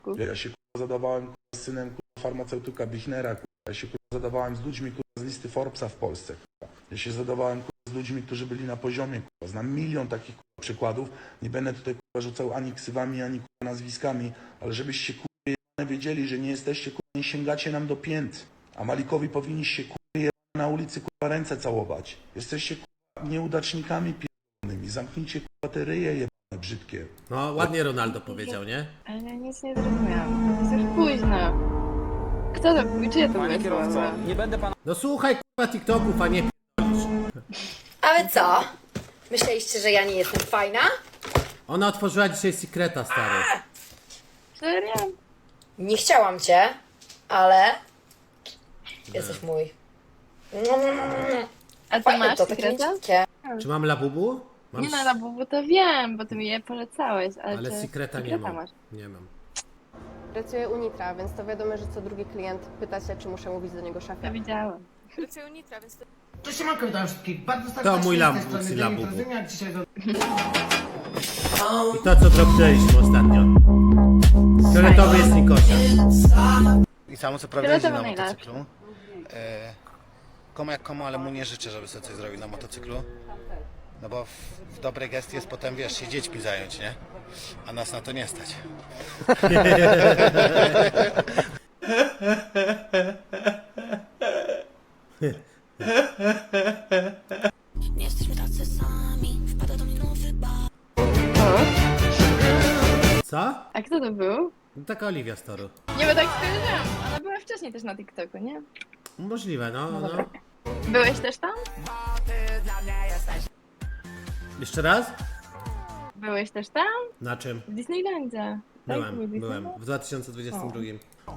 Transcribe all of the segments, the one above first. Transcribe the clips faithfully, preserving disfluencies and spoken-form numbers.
Ja się kurwa zadawałem kurwa, z synem kurwa, farmaceutyka Bichnera, kurwa. Ja się kurwa, zadawałem z ludźmi kurwa, z listy Forbesa w Polsce. Kurwa. Ja się zadawałem kurwa, z ludźmi, którzy byli na poziomie. Kurwa. Znam milion takich kurwa, przykładów. Nie będę tutaj kurwa, rzucał ani ksywami, ani kurwa, nazwiskami, ale żebyście kurwa, wiedzieli, że nie jesteście, kurwa, nie sięgacie nam do pięt. A Malikowi powinniście kurwa, na ulicy kurwa, ręce całować. Jesteście kurwa, nieudacznikami pierdolonymi. Zamknijcie kurwa, te ryje jebane brzydkie. No, ładnie Ronaldo powiedział, nie? Ale ja nic nie zrozumiałam. To jest już późno. Kto to był? Czy ja to wysłałam? Nie będę pana... No słuchaj kurwa TikToków, a nie p***lisz. Ale co? Myśleliście, że ja nie jestem fajna? Ona otworzyła dzisiaj Secreta, stary. Serio? Nie chciałam cię, ale jesteś mój. A ty Fajne masz to, takie sekreta? mięciutkie. Czy mam labubu? Mam Nie no, na bubu to wiem, bo ty mi je polecałeś, ale, Ale czy Secreta nie sekreta mam. masz? Nie mam. Pracuję u Nitra, więc to wiadomo, że co drugi klient pyta się, czy muszę mówić do niego To szefie. widziałam. Pracuję u Nitra, więc to... Cześć, siemanko, witam wszystkich. Bardzo To serdecznie mój z tej labu- strony Lucy Dawid Labubu. Rozyniak. Dzisiaj do... I to co dropnęliśmy ostatnio. Fioletowy jest Nikosia. I samo co prawda Fioletowy jeździ na najlepszy. motocyklu. E, komu jak komu, ale mu nie życzę, żeby sobie coś zrobił na motocyklu. No bo w, w dobry gest jest potem, wiesz, się dziećmi zająć, nie? A nas na to nie stać. Co? A kto to był? No, taka Oliwia z Toru. Nie, bo tak skojarzyłam. Ona była wcześniej też na TikToku, nie? Możliwe, no, no. Byłeś też tam? Jeszcze raz? Byłeś też tam? Na czym? W Disneylandzie. Tak? Był Byłem, Disneyland? byłem. W dwa tysiące dwudziestym drugim.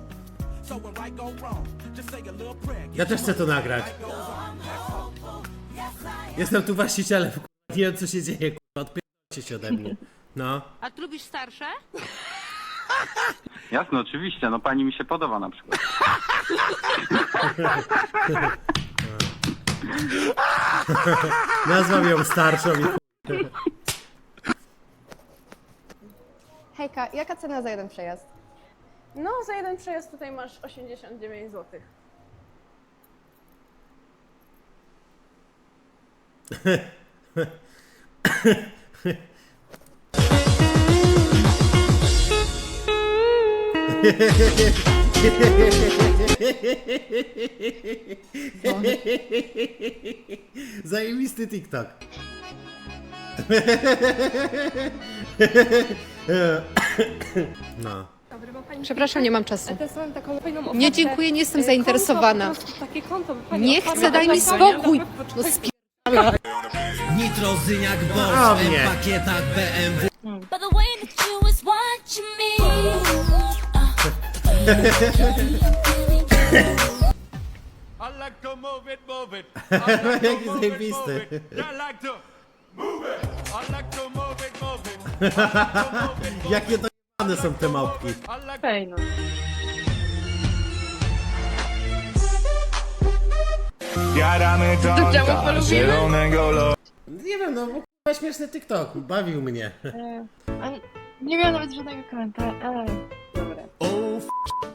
Ja też chcę to nagrać. Jestem tu właścicielem, nie wiem co się dzieje, kurwa, odpierdolcie się ode mnie. No. A ty lubisz starsze? Jasne, oczywiście, no pani mi się podoba na przykład. Nazwam ją starszą i chuj. Hejka, jaka cena za jeden przejazd? No, za jeden przejazd tutaj masz osiemdziesiąt dziewięć złotych. Zajebisty TikTok. No. Przepraszam, nie mam czasu. Nie, dziękuję, nie jestem zainteresowana. Nie chcę, daj mi spokój! No spi... Nitrozyniak, O Bols, mnie. w pakietach B M W. By the way that you was watching me. I like to move it, move it. Jaki zajebisty. Jakie dojebane są te małpki. Fej, no. Jadamy To czemu polubimy? Nie wiem, no bo kurwa śmieszny TikTok, bawił mnie. E, a nie miałam nawet żadnego komentarza, ale... Dobra. O, f...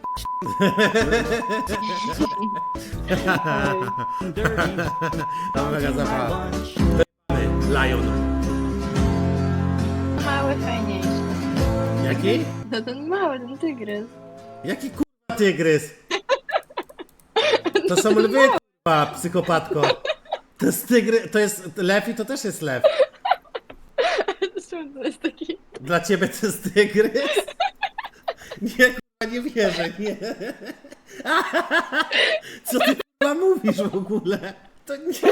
To mega zabawa. Lion. Mały, fajniejszy. Jaki? No ten mały, ten tygrys. Jaki kurwa tygrys? To są lwy, kurwa, psychopatko. To jest tygry, to jest lew i to też jest lew. Czemu to jest taki... Dla ciebie to jest tygrys? Nie, kurwa, nie wierzę, nie. Co ty kurwa mówisz w ogóle? To nie.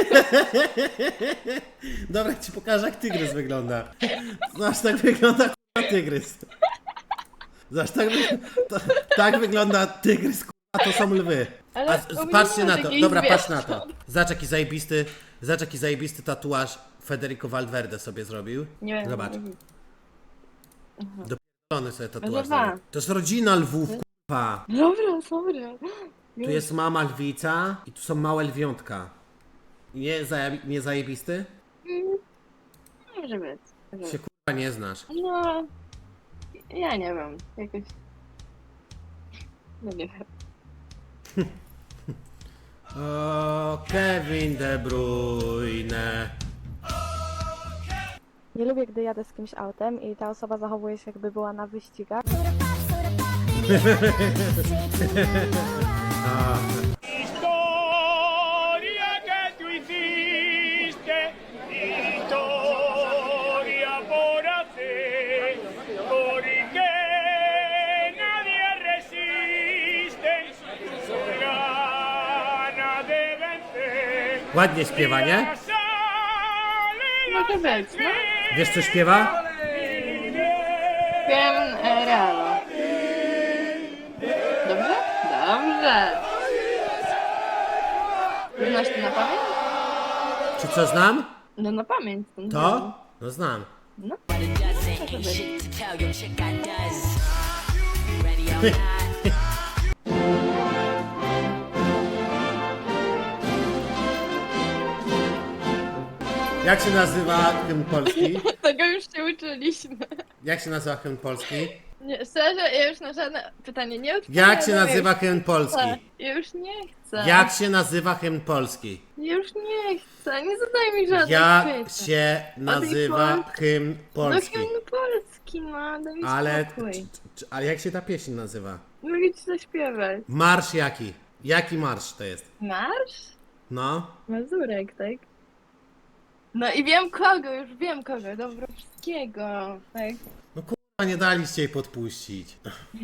Dobra, ci pokażę jak tygrys wygląda. Zobacz, tak wygląda kurwa tygrys. Zobacz, tak, wy... to, tak wygląda tygrys, kurwa, to są lwy. Ale A u z- mnie patrzcie nie ma na to, takich dobra, patrz zwierząt. na to. Zobacz jaki zajebisty, zobacz jaki zajebisty tatuaż Federico Valverde sobie zrobił. Nie wiem. Zobacz. Dopierdolony sobie tatuaż Lwa. zrobił. To jest rodzina lwów, kurwa. Dobra, dobra. Tu jest mama lwica i tu są małe lwiątka. Nie, zajebi nie zajebisty? Może być. Się kurwa nie znasz. No... Ja nie wiem, jakoś... No nie wiem. O, Kevin De Bruyne. Nie lubię, gdy jadę z kimś autem i ta osoba zachowuje się, jakby była na wyścigach. Historia que tú hiciste, historia por hacer, porque nadie resiste su gana de vencer. Ładnie śpiewa, nie? Może być, no. Wiesz co śpiewa? Wiem e, Realo. Dobrze? Dobrze. Znasz to na pamięć? Czy co znam? No na pamięć. To? To? No znam. No. Może być. Jak się nazywa hymn polski? Tego już się uczyliśmy. Jak się nazywa hymn polski? Nie, szczerze, ja już na żadne pytanie nie odpowiadam. Jak się nazywa hymn polski? Ja już nie chcę. Jak się nazywa hymn polski? Ja już nie chcę. Nie zadaj mi żadnych Jak pytań. się nazywa Polski? hymn No polski? hymn polski, no, daj mi Ale, spokój. c- c- ale jak się ta pieśń nazywa? Mogę ci zaśpiewać. Marsz jaki? Jaki marsz to jest? Marsz? No. Mazurek, tak? No i wiem kogo, już wiem kogo. Dobrowskiego, tak? A nie daliście jej podpuścić.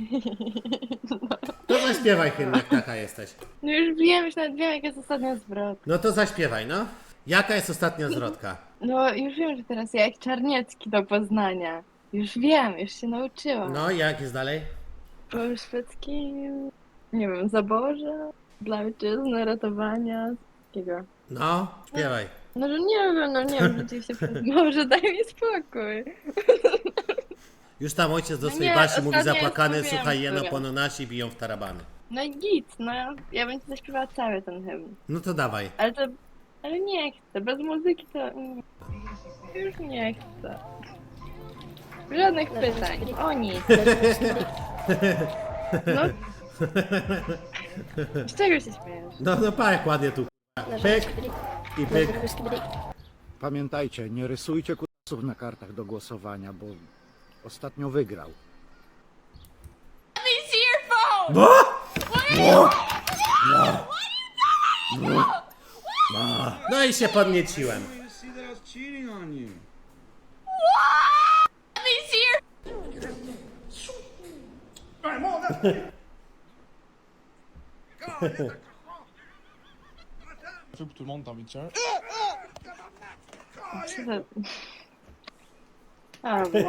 To zaśpiewaj hymn, jak taka jesteś. No już wiem, już nawet wiem, jaka jest ostatnia zwrot. No to zaśpiewaj, no. Jaka jest ostatnia zwrotka? No już wiem, że teraz ja jak Czarniecki do Poznania. Już wiem, już się nauczyłam. No i jak jest dalej? Po szwedzkim, nie wiem, zaborze, dla ojczyzny, ratowania, takiego. No, śpiewaj. No że nie wiem, no nie wiem, rzeczywiście, może daj mi spokój. Już tam ojciec do No swojej nie, Basi mówi ostatnio zapłakany, już słuchaj mówiłam, jeno które. po nasi biją w tarabany. No i git, no ja bym ci zaśpiewała cały ten hymn. No to dawaj. Ale to, ale nie chcę, bez muzyki to nie. Już nie chcę. Żadnych pytań, o nic. No. Z czego się śmiejesz? No, no pa jak ładnie tu. Pyk i pyk. Pamiętajcie, nie rysujcie kursów na kartach do głosowania, bo ostatnio wygrał. Bo? No i się podnieciłem. Co to... A, bo...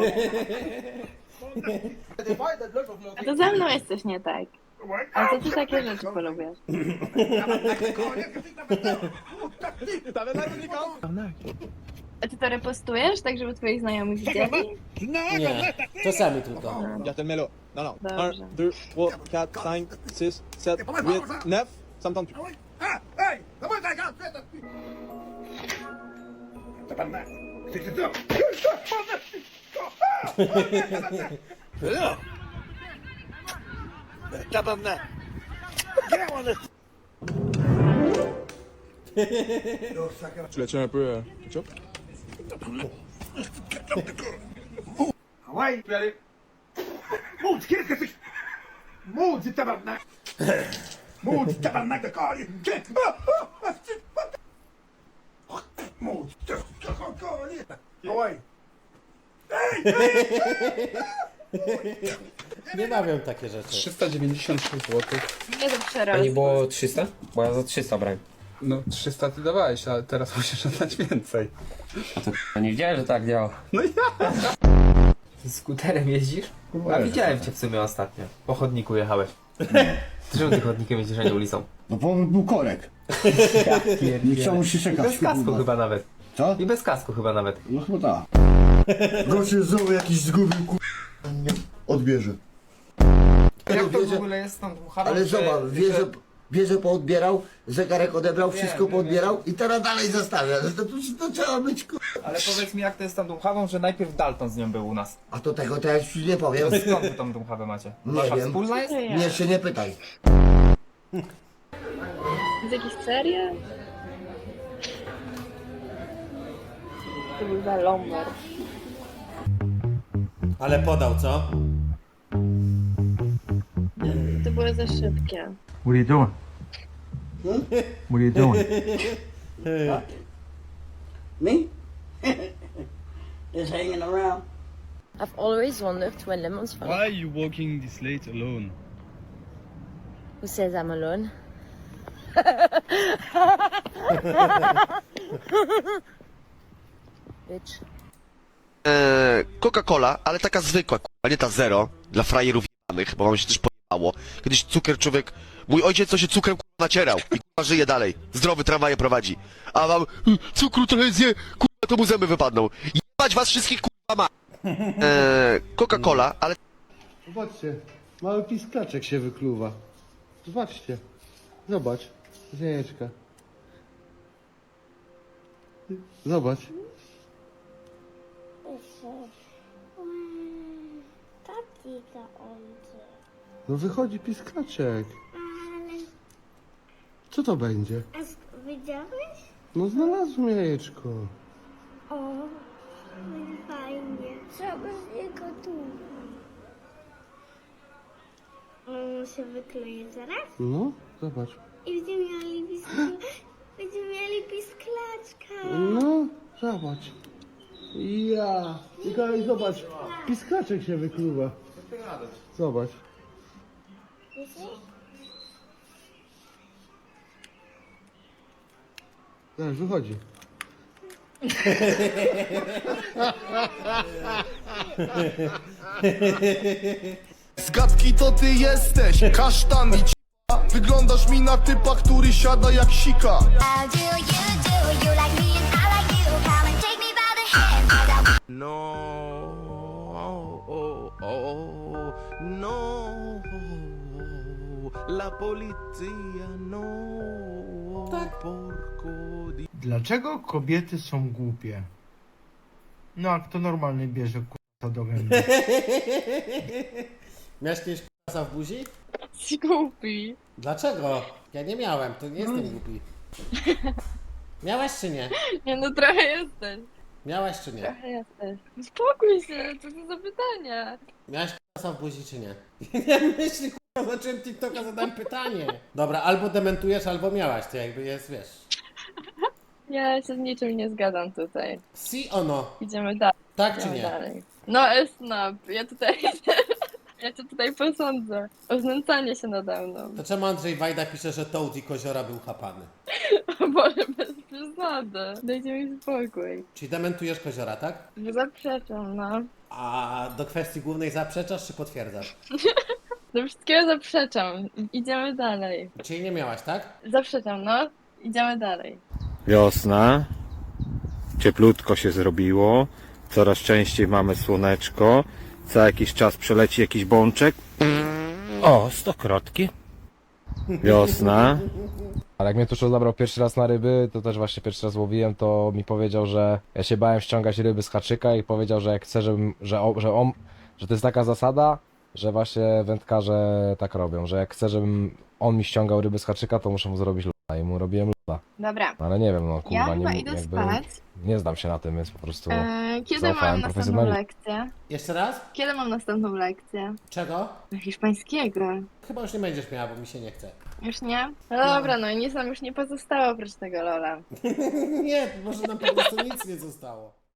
A to ze mną jest coś nie tak. A to ty takie rzeczy polubiasz. A ty to repostujesz, tak żeby twoich znajomych widzieli? Nie, czasami tylko. Melo. No, no. Dobrze. un, deux, trois, quatre, cinq, six, sept, huit, neuf. Ça me tente plus. Tu l'as-tu un peu euh, ketchup? Hawaii! Mów, kiedy jesteś? Mów, tabarnak! Mów, tabarnak do koli! Mów, koli! Hawaii! Nie bawią takie rzeczy. trzysta dziewięćdziesiąt sześć złotych. Nie to przerost. było trzysta? Bo ja za trzysta brałem. No trzysta ty dawałeś, ale teraz musisz oddać więcej. A to k***a, nie wiedziałem, że tak działa. No ja! Ty skuterem jeździsz? A widziałem cię w sumie ostatnio. Po chodniku jechałeś. Ty czemu ty chodnikiem jedziesz, a nie ulicą? No bo był korek. Nie chciało się I czekać. bez kasku chyba nawet. Co? I bez kasku chyba nawet. No chyba tak. Gościu znowu jakiś zgubił ku... Nie odbierze. Jak to w ogóle jest tam Ale zobacz, wie, że bierze, poodbierał, zegarek odebrał, wszystko poodbierał i teraz dalej zostawia. No to, to, to trzeba być ku... Ale powiedz mi, jak to jest z tą Dąchawą, że najpierw Dalton z nią był u nas. A to tego to ja ci nie powiem. Skąd wy tą Dąchawę macie? Nie Wasza wiem. wspólna jest? Nie, jeszcze nie pytaj. Jest jakiś serial? To był za Lomber. Ale podał, co? To było za szybkie. What are you doing? What are you doing? Me? Just hanging around. I've always wondered where lemons from. Why are you walking this late alone? Who says I'm alone? Bitch. Eee, Coca-Cola, ale taka zwykła, a nie ta zero, dla frajerów jebanych, bo wam się też pojebało. Kiedyś cukier człowiek, mój ojciec co się cukrem kurwa nacierał i kurwa żyje dalej, zdrowy tramwaje prowadzi. A wam, "Y, cukru trochę zje, kurwa to mu zęby wypadną. Jebać was wszystkich kurwa ma. Eee, Coca-Cola, ale Zobaczcie, mały piskaczek się wykluwa. Zobaczcie, zobacz, ziejeczka. Zobacz. No wychodzi piskaczek. Co to będzie? A widziałeś? No znalazłem jajeczko. O, fajnie. Trzeba z niego tu. On się wykleje zaraz No, zobacz. i będziemy mieli pisk- będziemy mieli pisklaczka. No, zobacz. Ja. Mikołaj, zobacz. Piskaczek się wykluwa. Zobacz. Zaraz, wychodzi. Zgadki to ty jesteś, kasztan i c***a. Wyglądasz mi na typa, który siada jak sika. No, oh, oh, no, la policja, no, porco di... Dlaczego kobiety są głupie? No, a kto normalny bierze k***a do gęby? Miałeś kiedyś k***a w buzi? Jesteś głupi. Dlaczego? Ja nie miałem, to nie jestem głupi. Miałeś czy nie? Nie no, trochę jesteś. Miałeś czy nie? Trochę jesteś. Spokój się, co to za pytania? Miałeś k***a w buzi czy nie? Ja myślę, k***a, zacząłem TikToka, zadałem pytanie. Dobra, albo dementujesz, albo miałaś, to jakby jest, wiesz. Ja się z niczym nie zgadzam tutaj. Si o no? Idziemy dalej. Tak czy Idziemy nie? dalej. No Esnap, ja tutaj... Ja cię tutaj posądzę. O znęcanie się nade mną. To czemu Andrzej Wajda pisze, że Toad i Koziora był chapany? O Boże, bez przesady. Dajcie mi spokój. Czyli dementujesz Koziora, tak? Zaprzeczam, no. A do kwestii głównej zaprzeczasz czy potwierdzasz? Do wszystkiego zaprzeczam. I- Idziemy dalej. Czyli nie miałaś, tak? Zaprzeczam, no. Idziemy dalej. Wiosna, cieplutko się zrobiło, coraz częściej mamy słoneczko, co jakiś czas przeleci jakiś bączek. O, stokrotki. Wiosna. Ale jak mnie Tuszo zabrał pierwszy raz na ryby, to też właśnie pierwszy raz łowiłem, to mi powiedział, że ja się bałem ściągać ryby z haczyka i powiedział, że jak chcę, żebym, że, o, że on, że to jest taka zasada, że właśnie wędkarze tak robią, że jak chcę, żebym on mi ściągał ryby z haczyka, to muszę mu zrobić loda i mu robiłem loda. Dobra. Ale nie wiem, no kurwa, Ja chyba nie, idę jakby, spać. nie znam się na tym, więc po prostu Eee, kiedy zaufałem mam następną profesjonalnie. lekcję? Jeszcze raz? Kiedy mam następną lekcję? Czego? Hiszpańskiego. Chyba już nie będziesz miała, bo mi się nie chce. Już nie? No dobra, no i nic nam już nie pozostało oprócz tego Lola. Nie, może nam po prostu nic nie zostało.